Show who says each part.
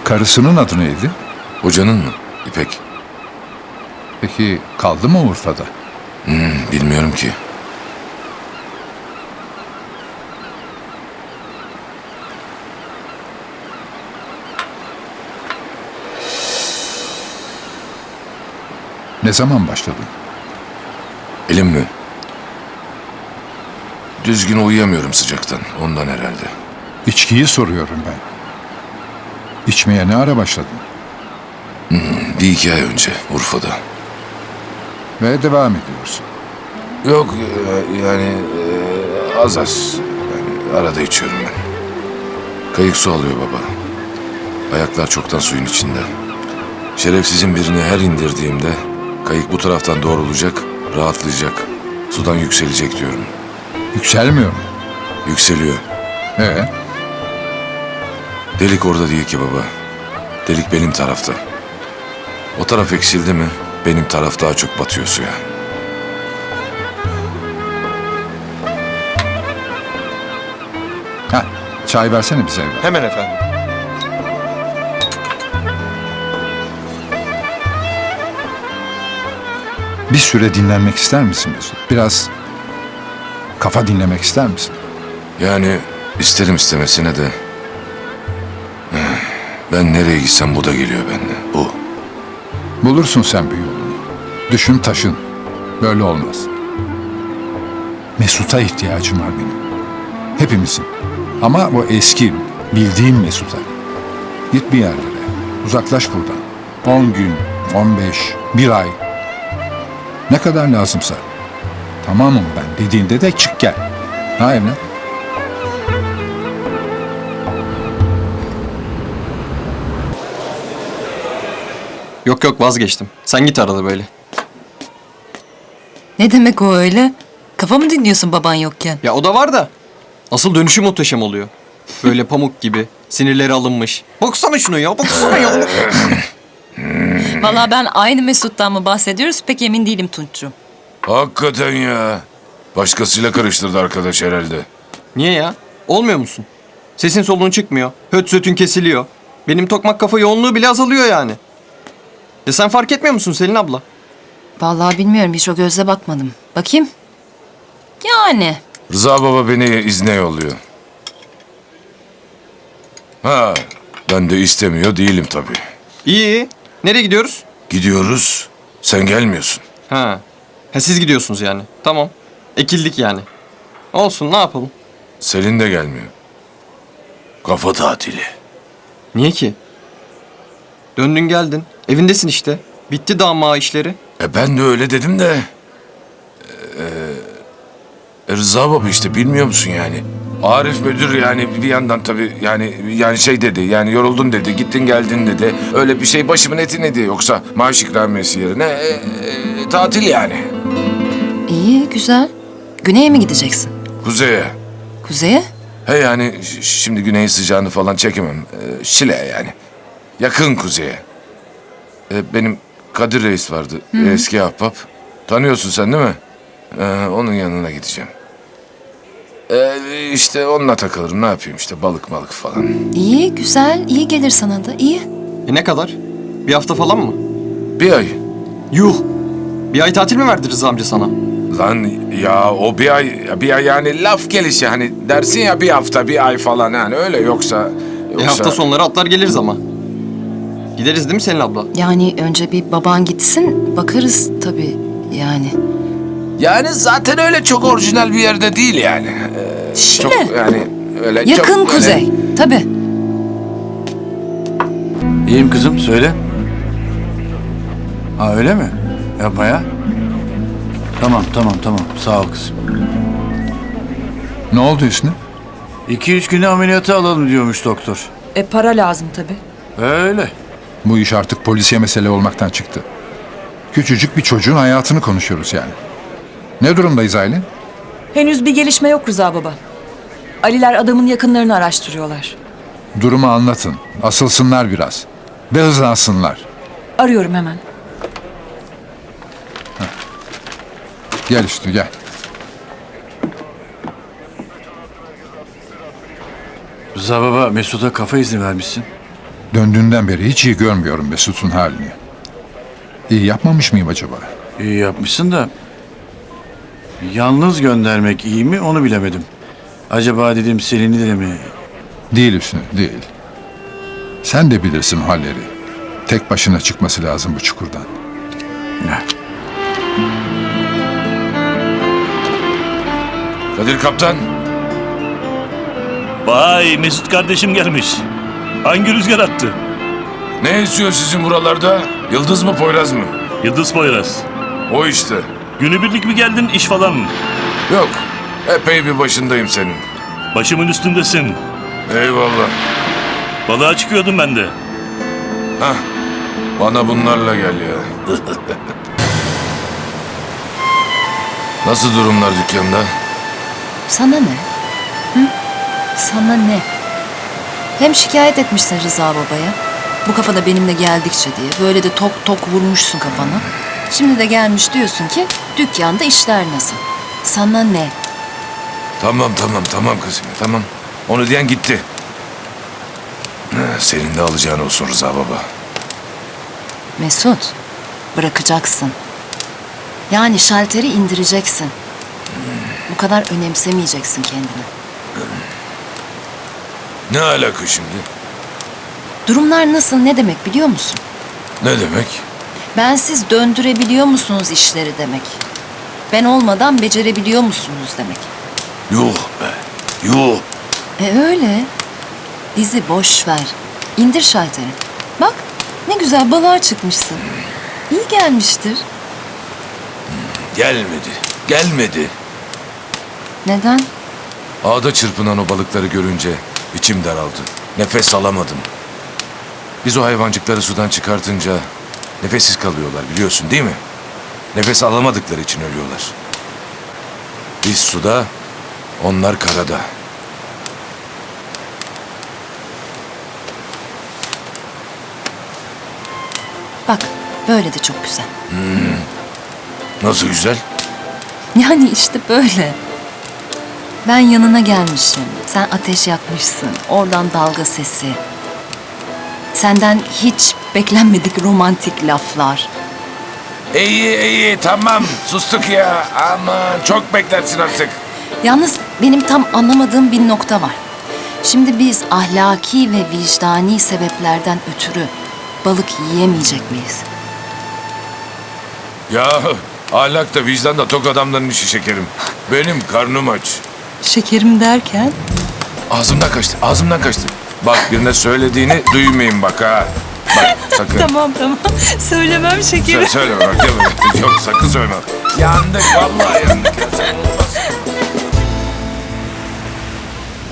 Speaker 1: Karısının adı neydi?
Speaker 2: Hocanın mı? İpek.
Speaker 1: Peki kaldı mı Urfa'da?
Speaker 2: Bilmiyorum ki.
Speaker 1: Ne zaman başladın?
Speaker 2: Elim mi? Düzgün uyuyamıyorum sıcaktan. Ondan herhalde.
Speaker 1: İçkiyi soruyorum ben. İçmeye ne ara başladın?
Speaker 2: Bir iki ay önce Urfa'da.
Speaker 1: Ve devam ediyorsun.
Speaker 2: Yok yani az az. Yani arada içiyorum ben. Kayık su alıyor baba. Ayaklar çoktan suyun içinde. Şerefsizin birini her indirdiğimde kayık bu taraftan doğrulacak, rahatlayacak. Sudan yükselecek diyorum.
Speaker 1: Yükselmiyor mu?
Speaker 2: Yükseliyor.
Speaker 1: Ee,
Speaker 2: Delik orada değil ki baba. Delik benim tarafta. O taraf eksildi mi benim taraf daha çok batıyor suya.
Speaker 1: ha, çay versene bize evlat.
Speaker 3: Hemen efendim.
Speaker 1: Bir süre dinlenmek ister misin Mesut? Biraz kafa dinlemek ister misin?
Speaker 2: Yani isterim istemesine de ben nereye gitsem bu da geliyor bende. Bu.
Speaker 1: Bulursun sen bir yolunu. Düşün taşın. Böyle olmaz. Mesut'a ihtiyacım var benim. Hepimizin. Ama o eski, bildiğim Mesut'a. Git bir yerlere. Uzaklaş buradan. 10 gün, 15, bir ay. Ne kadar lazımsa. Tamamım ben dediğinde de çık gel. Ha evlat?
Speaker 3: Yok yok vazgeçtim. Sen git arada böyle.
Speaker 4: Ne demek o öyle? Kafa mı dinliyorsun baban yokken?
Speaker 3: Ya o da var da. Asıl dönüşü muhteşem oluyor. Böyle pamuk gibi. Sinirleri alınmış. Baksana şunu ya baksana ya.
Speaker 4: Vallahi ben aynı Mesut'tan mı bahsediyoruz pek emin değilim Tunç'cum.
Speaker 2: Hakikaten ya. Başkasıyla karıştırdı arkadaş herhalde.
Speaker 3: Niye ya? Olmuyor musun? Sesin soluğun çıkmıyor. Höt sötün kesiliyor. Benim tokmak kafa yoğunluğu bile azalıyor yani. Ya sen fark etmiyor musun Selin abla?
Speaker 4: Vallahi bilmiyorum hiç o gözle bakmadım. Bakayım. Yani.
Speaker 2: Rıza baba beni izne yolluyor. Ha, ben de istemiyor değilim tabii.
Speaker 3: İyi. Nereye gidiyoruz?
Speaker 2: Gidiyoruz, sen gelmiyorsun.
Speaker 3: Ha. Ha siz gidiyorsunuz yani. Tamam. Ekildik yani. Olsun ne yapalım?
Speaker 2: Selin de gelmiyor. Kafa tatili.
Speaker 3: Niye ki? Döndün geldin. Evindesin işte. Bitti dama işleri.
Speaker 2: Ben de öyle dedim de... Rıza baba işte bilmiyor musun yani? Arif müdür yani bir yandan tabii yani şey dedi yani yoruldun dedi gittin geldin dedi. Öyle bir şey başımın eti dedi yoksa maaş ikramiyesi yerine tatil yani.
Speaker 4: İyi güzel. Güney'e mi gideceksin?
Speaker 2: Kuzeye.
Speaker 4: Kuzey'e?
Speaker 2: He yani şimdi güneyin sıcağını falan çekemem. Şile yani. Yakın kuzeye. Benim Kadir Reis vardı. Eski ahbap. Tanıyorsun sen değil mi? Onun yanına gideceğim. İşte onunla takılırım. Ne yapayım işte balık falan.
Speaker 4: İyi güzel. İyi gelir sana da. İyi.
Speaker 3: Ne kadar? Bir hafta falan mı?
Speaker 2: Bir ay.
Speaker 3: Yuh! Bir ay tatil mi verdi Rıza amca sana?
Speaker 2: Lan ya o bir ay yani laf gelişi hani dersin ya bir hafta bir ay falan yani öyle yoksa.
Speaker 3: Hafta sonları atlar geliriz ama. Gideriz değil mi Selin abla?
Speaker 4: Yani önce bir baban gitsin. Bakarız tabii yani.
Speaker 2: Yani zaten öyle çok orijinal bir yerde değil yani.
Speaker 4: Şile.
Speaker 2: Çok yani öyle
Speaker 4: Yakın
Speaker 2: çok böyle-
Speaker 4: kuzey. Tabii.
Speaker 5: İyiyim kızım, söyle. Ha öyle mi? Yapma ya. Tamam. Sağ ol kızım.
Speaker 1: Ne oldu Hüsnü?
Speaker 5: 2-3 güne ameliyata alalım diyormuş doktor.
Speaker 6: Para lazım tabii.
Speaker 5: Öyle.
Speaker 1: Bu iş artık polisiye mesele olmaktan çıktı. Küçücük bir çocuğun hayatını konuşuyoruz yani. Ne durumdayız Aylin?
Speaker 6: Henüz bir gelişme yok Rıza baba. Aliler adamın yakınlarını araştırıyorlar.
Speaker 1: Durumu anlatın. Asılsınlar biraz. Ve hızlansınlar.
Speaker 6: Arıyorum hemen.
Speaker 1: Gel Hüsnü gel.
Speaker 5: Rıza baba Mesut'a kafa izni vermişsin.
Speaker 1: Döndüğünden beri hiç iyi görmüyorum Mesut'un halini. İyi yapmamış mıyım acaba?
Speaker 5: İyi yapmışsın da yalnız göndermek iyi mi onu bilemedim. Acaba dedim Selin'i de mi?
Speaker 1: Değil Hüsnü, değil. Sen de bilirsin halleri. Tek başına çıkması lazım bu çukurdan.
Speaker 5: Ne?
Speaker 2: Kadir kaptan.
Speaker 7: Vay Mesut kardeşim gelmiş. Hangi rüzgar attı?
Speaker 2: Ne esiyor sizin buralarda? Yıldız mı Poyraz mı?
Speaker 7: Yıldız Poyraz.
Speaker 2: O işte.
Speaker 7: Günübirlik mi geldin iş falan mı?
Speaker 2: Yok. Epey bir başındayım senin.
Speaker 7: Başımın üstündesin.
Speaker 2: Eyvallah.
Speaker 7: Balığa çıkıyordum ben de.
Speaker 2: Hah. Bana bunlarla gel ya. Nasıl durumlar dükkanda?
Speaker 4: Sana ne? Hı? Sana ne? Hem şikayet etmişsin Rıza babaya. Bu kafada benimle geldikçe diye. Böyle de tok tok vurmuşsun kafana. Şimdi de gelmiş diyorsun ki dükkanda işler nasıl? Sana ne?
Speaker 2: Tamam kızım tamam. Onu diyen gitti. Senin de alacağın olsun Rıza baba.
Speaker 4: Mesut, bırakacaksın. Yani şalteri indireceksin. Bu kadar önemsemeyeceksin kendini.
Speaker 2: Ne alaka şimdi?
Speaker 4: Durumlar nasıl ne demek biliyor musun?
Speaker 2: Ne demek?
Speaker 4: Bensiz döndürebiliyor musunuz işleri demek. Ben olmadan becerebiliyor musunuz demek.
Speaker 2: Yuh be. Yuh.
Speaker 4: Öyle. Bizi boş ver. İndir şalteri. Bak ne güzel balığa çıkmışsın. İyi gelmiştir.
Speaker 2: Gelmedi.
Speaker 4: Neden?
Speaker 2: Ağda çırpınan o balıkları görünce içim daraldı. Nefes alamadım. Biz o hayvancıkları sudan çıkartınca nefessiz kalıyorlar biliyorsun değil mi? Nefes alamadıkları için ölüyorlar. Biz suda, onlar karada.
Speaker 4: Bak böyle de çok güzel.
Speaker 2: Nasıl güzel?
Speaker 4: Yani işte böyle. Ben yanına gelmişim. Sen ateş yakmışsın. Oradan dalga sesi. Senden hiç beklenmedik romantik laflar.
Speaker 2: İyi tamam sustuk ya. Aman çok beklersin artık.
Speaker 4: Yalnız benim tam anlamadığım bir nokta var. Şimdi biz ahlaki ve vicdani sebeplerden ötürü balık yiyemeyecek miyiz?
Speaker 2: Ya ahlak da vicdan da tok adamların işi şekerim. Benim karnım aç.
Speaker 4: Şekerim derken?
Speaker 2: Ağzımdan kaçtı. Bak birine söylediğini duymayayım bak ha. Bak sakın.
Speaker 6: Tamam. Söylemem şekerim.
Speaker 2: Söyleme bak. Yok sakın söyleme. Yandık vallahi yandık.